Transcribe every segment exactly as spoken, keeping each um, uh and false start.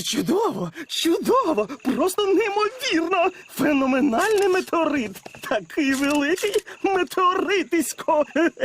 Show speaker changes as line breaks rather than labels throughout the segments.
Чудово, чудово, просто неймовірно. Феноменальний метеорит. Такий великий метеоритисько.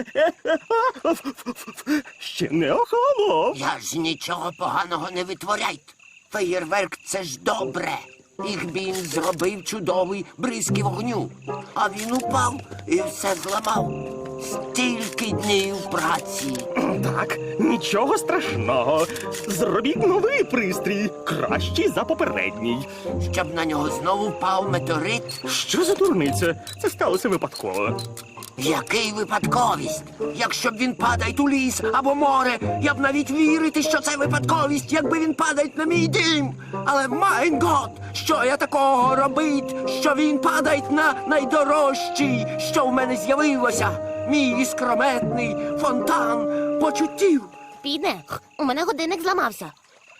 Ще не охолонув.
Я ж нічого поганого не витворяйте. Феєрверк – це ж добре. Ігбін зробив чудовий бризки вогню. А він упав і все зламав. Стільки днів праці.
Так, нічого страшного. Зробіть новий пристрій, кращий за попередній.
Щоб на нього знову впав метеорит.
Що за дурниця? Це сталося випадково.
Який випадковість? Якщо б він падає у ліс або море, я б навіть вірити, що це випадковість, якби він падає на мій дім. Але, майн гот, що я такого робить, що він падає на найдорожчий, що в мене з'явилося? Мій іскрометний фонтан почуттів.
Піде, у мене годинник зламався.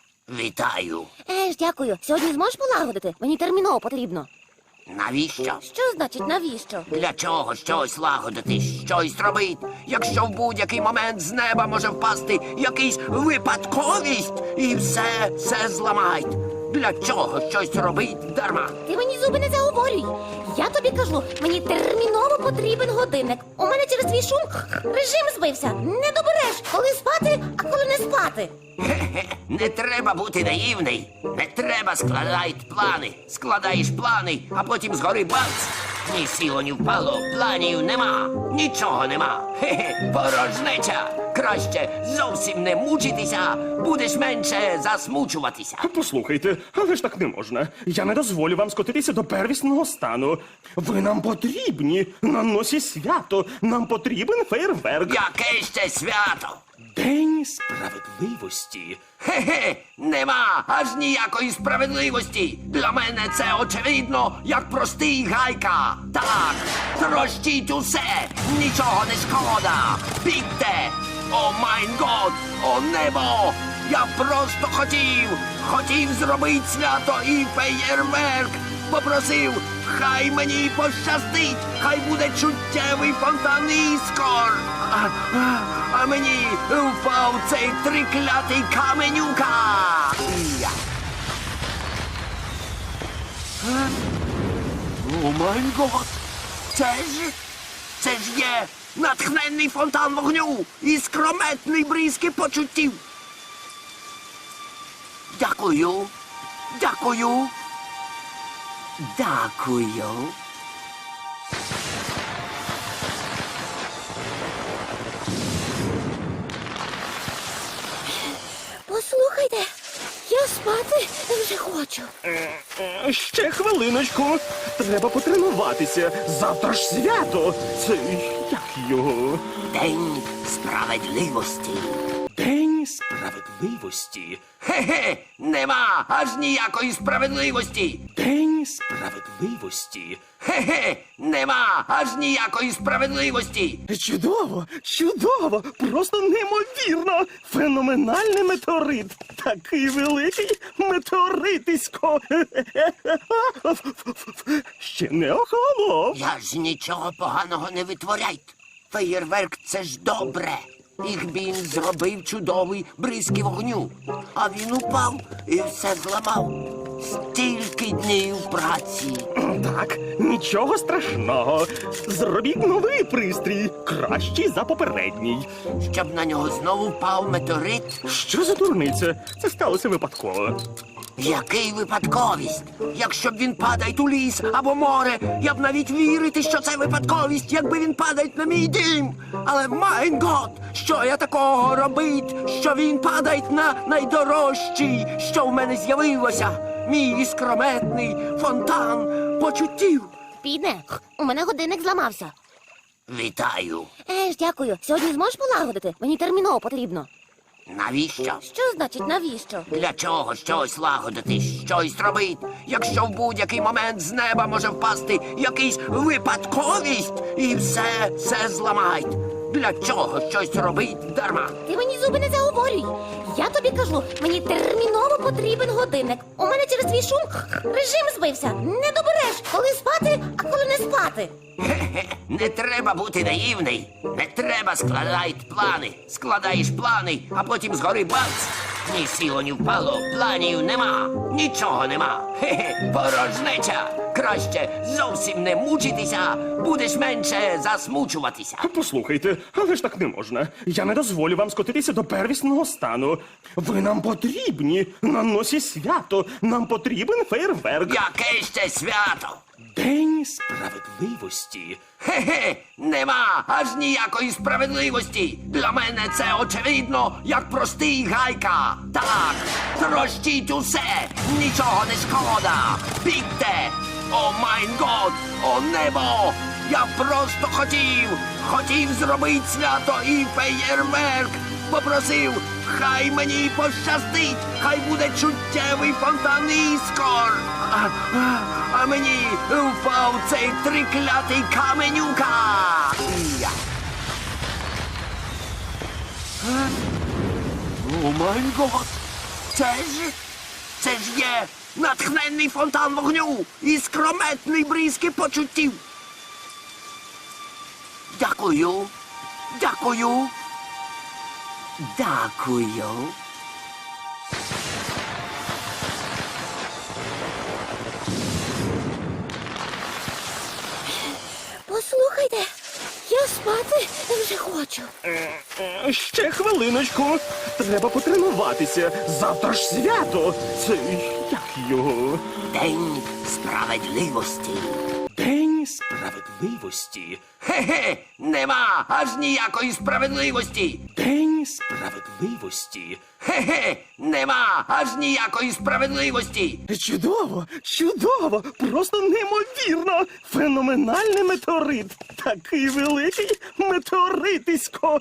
Вітаю.
Еж, дякую. Сьогодні зможеш полагодити? Мені терміново потрібно.
Навіщо?
Що значить навіщо?
Для чого щось лагодити, щось робити, якщо в будь-який момент з неба може впасти якийсь випадковість і все, все зламають? Для чого щось робить дарма?
Ти мені зуби не заговорюй. Я тобі кажу, мені терміново потрібен годинник. У мене через твій шум режим збився. Не добереш, коли спати, а коли не спати.
Хе-хе, не треба бути наївний. Не треба складати плани. Складаєш плани, а потім згори бац. Ні сіло, ні впало, планів нема. Нічого нема. Хе-хе, порожнеча. Краще зовсім не мучитися, будеш менше засмучуватися.
Послухайте, але ж так не можна. Я не дозволю вам скотитися до первісного стану. Ви нам потрібні. На носі свято. Нам потрібен фейерверк.
Яке ще свято?
День справедливості.
Хе-хе, нема аж ніякої справедливості. Для мене це очевидно, як простий гайка. Так, трощіть усе, нічого не шкода. Бігте! О майн год, о небо! Я просто хотів, хотів зробити свято і феєрверк. Попросив, хай мені пощастить, хай буде чуттєвий фонтан іскор. А, а, а мені впав цей триклятий каменюка. Я. Е? О май гот! Це ж, це ж є натхненний фонтан вогню і скрометний бризки почуттів. Дякую, дякую. Дякую.
Послухайте, я спати вже хочу.
Е, Ще хвилиночку. Треба потренуватися. Завтра ж свято. Це як його?
День справедливості.
День справедливості.
Хе-хе, нема аж ніякої справедливості.
День справедливості.
Хе-хе, нема аж ніякої справедливості.
Чудово, чудово, просто неймовірно. Феноменальний метеорит. Такий великий метеоритисько. Ще не охолонув.
Я ж нічого поганого не витворяйте. Феєрверк – це ж добре. Ігбін зробив чудовий бризки вогню. А він упав і все зламав. Стільки днів праці.
Так, нічого страшного. Зробіть новий пристрій, кращий за попередній.
Щоб на нього знову впав метеорит.
Що за дурниця? Це сталося випадково.
Який випадковість? Якщо б він падає у ліс або море, я б навіть вірити, що це випадковість, якби він падає на мій дім. Але, майн гот, що я такого робить, що він падає на найдорожчий, що в мене з'явилося? Мій іскрометний фонтан почуттів.
Піде, у мене годинник зламався.
Вітаю.
Еж, дякую. Сьогодні зможеш полагодити? Мені терміново потрібно.
Навіщо?
Що значить навіщо?
Для чого щось лагодити, щось робити, якщо в будь-який момент з неба може впасти якийсь випадковість і все, все зламають? Для чого щось робить дарма?
Ти мені зуби не заговорюй. Я тобі кажу, мені терміново потрібен годинник. У мене через твій шум режим збився. Не добереш, коли спати, а коли не спати.
Хе-хе, не треба бути наївний. Не треба складати плани. Складаєш плани, а потім згори бац. Ні сіло, ні впало, планів нема, нічого нема. Хе-хе, порожнеча. Краще зовсім не мучитися, будеш менше засмучуватися.
Послухайте, але ж так не можна. Я не дозволю вам скотитися до первісного стану. Ви нам потрібні на носі свято. Нам потрібен фейерверк.
Яке ще свято?
День справедливості.
Хе-хе, нема аж ніякої справедливості. Для мене це очевидно, як простий гайка. Так, трощіть усе, нічого не шкода. Бігте! О майн год, о небо! Я просто хотів, хотів зробити свято і феєрверк. Попросив, хай мені пощастить, хай буде чуттєвий фонтан іскор. А, а, а мені впав цей триклятий каменюка. Я. Е? О май гот! Це ж, це ж є натхненний фонтан вогню і скрометний бризки почуттів. Дякую, дякую. Дякую.
Послухайте, я спати вже хочу.
Е, Ще хвилиночку. Треба потренуватися. Завтра ж свято. Це як його?
День справедливості.
День справедливості.
Хе-хе, нема аж ніякої справедливості.
День справедливості.
Хе-хе, нема аж ніякої справедливості.
Чудово, чудово, просто неймовірно. Феноменальний метеорит. Такий великий метеоритисько.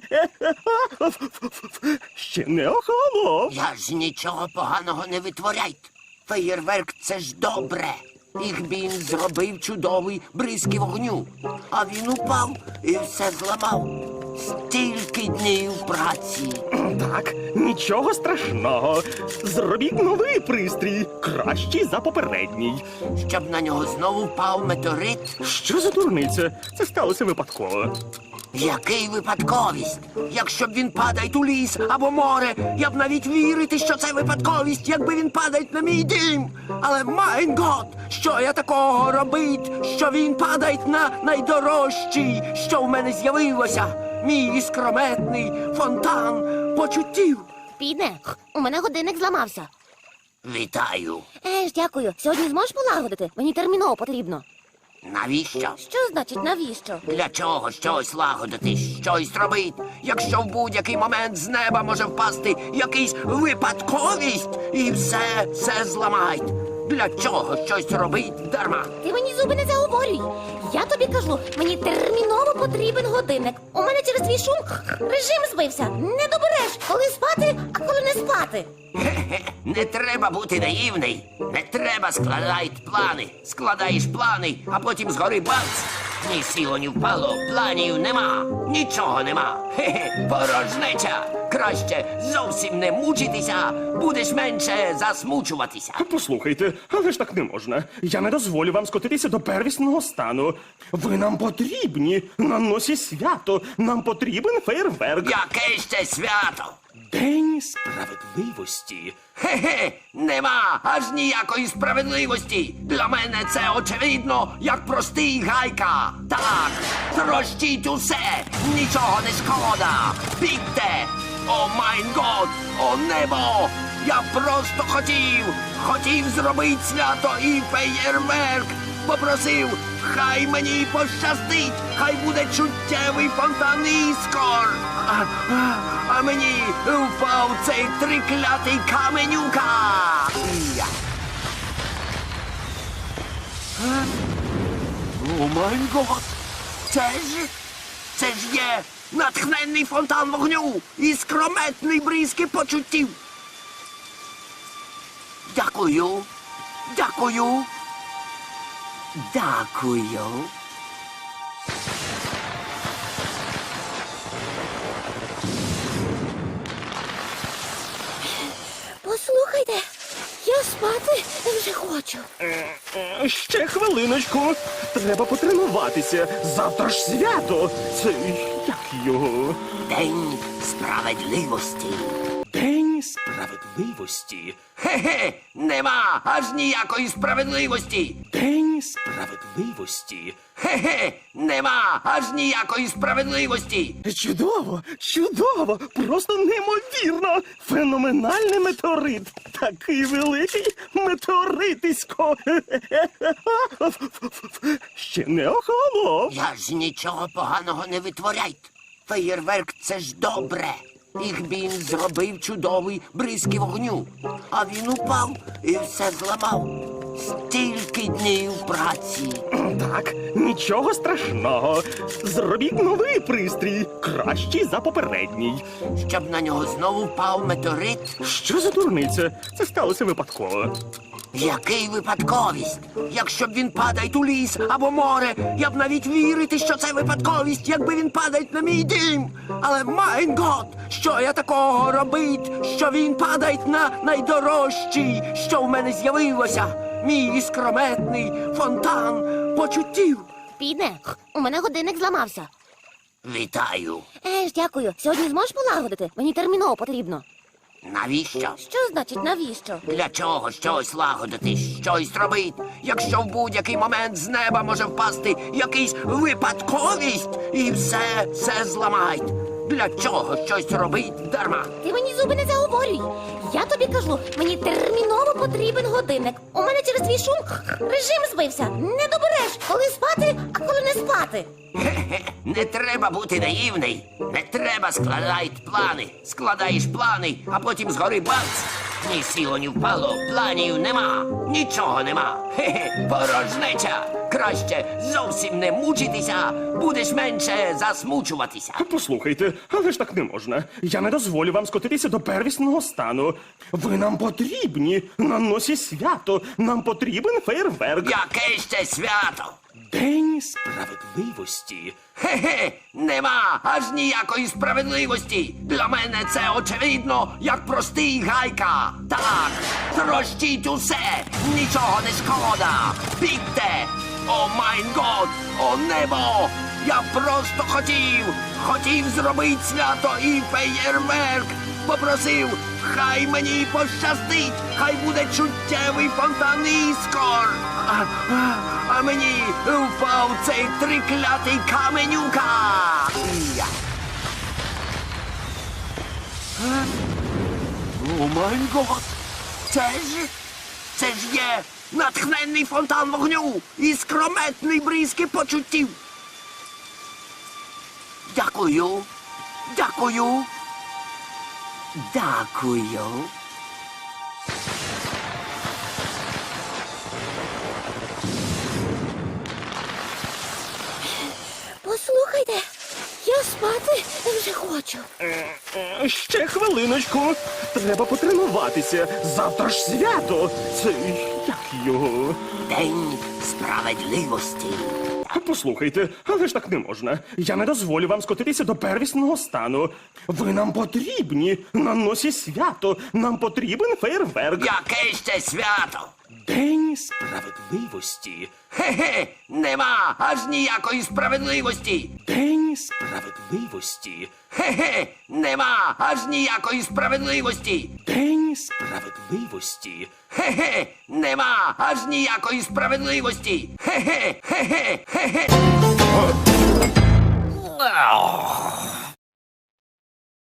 Ще не охолонув.
Я ж нічого поганого не витворяйте. Феєрверк — це ж добре. Їх він зробив чудовий бризки вогню. А він упав і все зламав. Стільки днів праці.
Так, нічого страшного. Зробіть новий пристрій, кращий за попередній.
Щоб на нього знову впав метеорит.
Що за дурниця? Це сталося випадково.
Який випадковість? Якщо б він падає у ліс або море, я б навіть вірити, що це випадковість, якби він падає на мій дім. Але майн гот, що я такого робить, що він падає на найдорожчий, що в мене з'явилося, мій іскрометний фонтан почуттів.
Піде, у мене годинник зламався.
Вітаю.
Еж, дякую. Сьогодні зможеш полагодити? Мені терміново потрібно.
Навіщо?
Що значить навіщо?
Для чого щось лагодити, щось робити, якщо в будь-який момент з неба може впасти якийсь випадковість і все, все зламають. Для чого щось робить дарма?
Ти мені зуби не заговорюй. Я тобі кажу, мені терміново потрібен годинник. У мене через твій шум режим збився. Не добереш, коли спати, а коли не спати.
Хе-хе, не треба бути наївний. Не треба складати плани. Складаєш плани, а потім згори бац. Ні сіло, ні впало, планів нема, нічого нема. Хе-хе, порожнеча. Краще зовсім не мучитися, будеш менше засмучуватися.
Послухайте, але ж так не можна. Я не дозволю вам скотитися до первісного стану. Ви нам потрібні на носі свято. Нам потрібен фейерверк.
Яке ще свято?
День справедливості.
Хе-хе, нема аж ніякої справедливості. Для мене це очевидно, як простий гайка. Так, трощіть усе, нічого не шкода. Бігте! О майн год, о небо! Я просто хотів, хотів зробити свято і феєрверк. Попросив, хай мені пощастить, хай буде чуттєвий фонтан іскор. А, а, а мені впав цей триклятий каменюка. Я. Е? О май гот! Це ж, це ж є натхненний фонтан вогню і скрометний бризки почуттів. Дякую, дякую. Дякую.
Послухайте, я спати вже хочу.
Е, е, Ще хвилиночку. Треба потренуватися. Завтра ж свято. Це як його?
День справедливості.
День Справедливості.
Хе-хе, нема аж ніякої справедливості.
День справедливості.
Хе-хе, нема аж ніякої справедливості.
Чудово, чудово, просто неймовірно. Феноменальний метеорит. Такий великий метеоритисько. Ще не охолонув.
Я ж нічого поганого не витворяйте. Феєрверк — це ж добре. Їх він зробив чудовий бризки вогню. А він упав і все зламав. Стільки днів праці.
Так, нічого страшного. Зробіть новий пристрій, кращий за попередній.
Щоб на нього знову впав метеорит.
Що за дурниця? Це сталося випадково.
Який випадковість? Якщо б він падає у ліс або море, я б навіть вірити, що це випадковість, якби він падає на мій дім. Але, майн гот, що я такого робить, що він падає на найдорожчий, що в мене з'явилося? Мій іскрометний фонтан почуттів.
Піде, у мене годинник зламався.
Вітаю.
Еж, дякую. Сьогодні зможеш полагодити? Мені терміново потрібно.
Навіщо?
Що значить навіщо?
Для чого щось лагодити, щось робити, якщо в будь-який момент з неба може впасти якийсь випадковість і все, все зламають? Для чого щось робить дарма?
Ти мені зуби не заговорюй. Я тобі кажу, мені терміново потрібен годинник. У мене через твій шум режим збився. Не добереш, коли спати, а коли не спати.
Хе-хе, не треба бути наївний. Не треба складати плани. Складаєш плани, а потім згори бац. Ні сіло, ні впало, планів нема. Нічого нема. Хе-хе, порожнеча. Краще зовсім не мучитися, будеш менше засмучуватися.
Послухайте, але ж так не можна. Я не дозволю вам скотитися до первісного стану. Ви нам потрібні на носі свято. Нам потрібен фейерверк.
Яке ще свято?
День справедливості.
Хе-хе, нема аж ніякої справедливості. Для мене це очевидно, як простий гайка. Так, трощіть усе, нічого не шкода. Бігте! О майн год, о небо! Я просто хотів, хотів зробити свято і феєрверк. Попросив, хай мені пощастить, хай буде чуттєвий фонтан іскор. А, а, а мені впав цей триклятий каменюка. Я. Е? О май гот! Це ж, це ж є натхненний фонтан вогню і скрометний бризки почуттів. Дякую, дякую, дякую.
Послухайте, я спати вже хочу.
Е, Ще хвилиночку. Треба потренуватися. Завтра ж свято. Це як його?
День справедливості.
Послухайте, але ж так не можна. Я не дозволю вам скотитися до первісного стану. Ви нам потрібні на носі свято. Нам потрібен фейерверк.
Яке ще свято?
День справедливості.
Хе-хе, нема аж ніякої справедливості.
День справедливості.
Хе-хе, нема аж ніякої справедливості.
День справедливості.
Хе-хе, нема аж ніякої справедливості. Хе-хе, хе-хе, хе-хе.